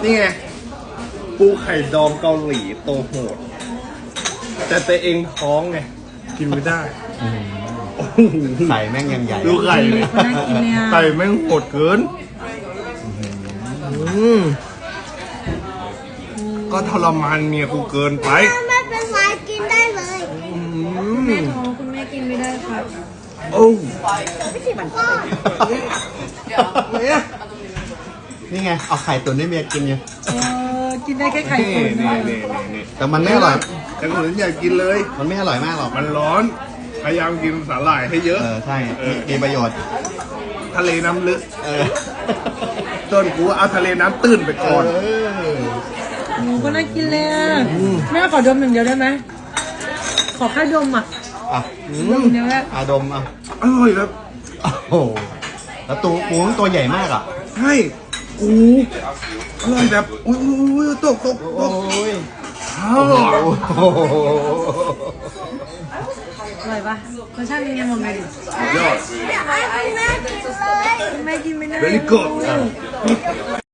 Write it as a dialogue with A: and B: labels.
A: นี่ไงปูไข่ดองเกาหลีโตโหดแต่ตัวเองท้องไงกินไม่ได้
B: ใส่แม่งยังใหญ่
A: ดูไข่เลย
C: น่ากินเลยอ่ะ
A: ไข่แม่งโหดเกินก็ทรมานเมียกูเกินไป
D: ไม่เป็นไรกินได้เลย
C: แม่ท้องคุณแม่กินไม่ได้ครับ
A: โอ้
B: นี่ไงเอาไข่ตุ๋นให้เมียกินไง
C: กินได้แค่ไข่
A: นี่
C: ตุ๋น
A: นี่นี่
B: แต่มันไม่อร่อย
A: แต่คนอื่นอยากกินเลย
B: มันไม่อร่อยมากหรอก
A: มันร้อน พยายามกินสาหร่ายให้เยอะ
B: ใช่มีประโยชน์
A: ทะเลน้ำลึก
B: เออ
A: ต้นกูเอาทะเลน้ำตื้นไปก่อน
C: หมูก็น่ากินเลยอ่ะแม่ขอดมอย่างเดียวได้ไหมขอแค่ดมอ่ะ
B: อ่ะ
C: ดมเดียวแค่
B: อาดมอ่ะ
A: อร่อยแบบ
B: โอ้โหแล้วตัวปูมันตัวใหญ่มากอ่ะ
A: ใช่กูอร่อยแบบอุ้ยตก
B: โอ้ย
A: อ้าว
B: โอ้โห
C: อร่อยปะรสชาติเป็นยังไงบอกหน่อยดิ
A: ยอด
D: อยากให้คุณแม่กินเลย
C: คุณแม่กินไม่ได้
A: very good